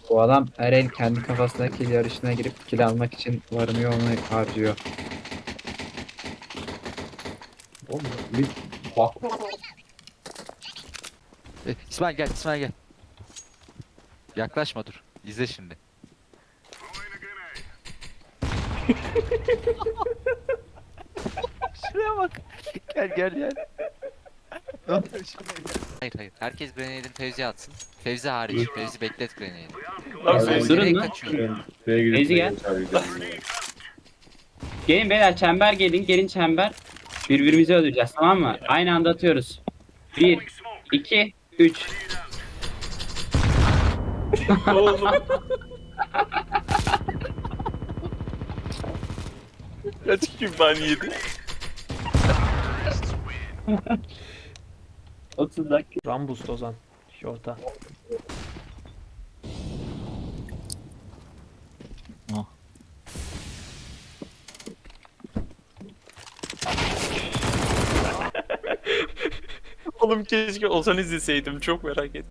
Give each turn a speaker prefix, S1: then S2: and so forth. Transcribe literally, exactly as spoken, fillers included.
S1: Bu adam her el kendi kafasına kill yarışına girip kill almak için varını yoğunu harcıyor.
S2: Oğlum bir bak.
S3: E, İsmail gel, İsmail gel. Yaklaşma dur. İzle şimdi. Şuraya bak. Gel gel gel. Hayır hayır. Herkes Grenade'in Fevzi'ye atsın. Fevzi hariç. Fevzi beklet Grenade'i.
S4: Lan
S2: Abi,
S4: Fevzi
S5: durun
S3: Nereye
S5: lan.
S3: kaçıyorsun?
S2: Şuraya gidip
S5: Feyzi gel. Gelin beyler çember gelin. Gelin çember. Birbirimizi öldüreceğiz tamam mı? Aynı anda atıyoruz. Bir, iki, üç.
S4: Oğlum. Kaç kim ban yedi?
S5: otuz dakika.
S6: Rambus Ozan. Şorta.
S4: Oğlum keşke Ozan izleseydim. Çok merak ettim.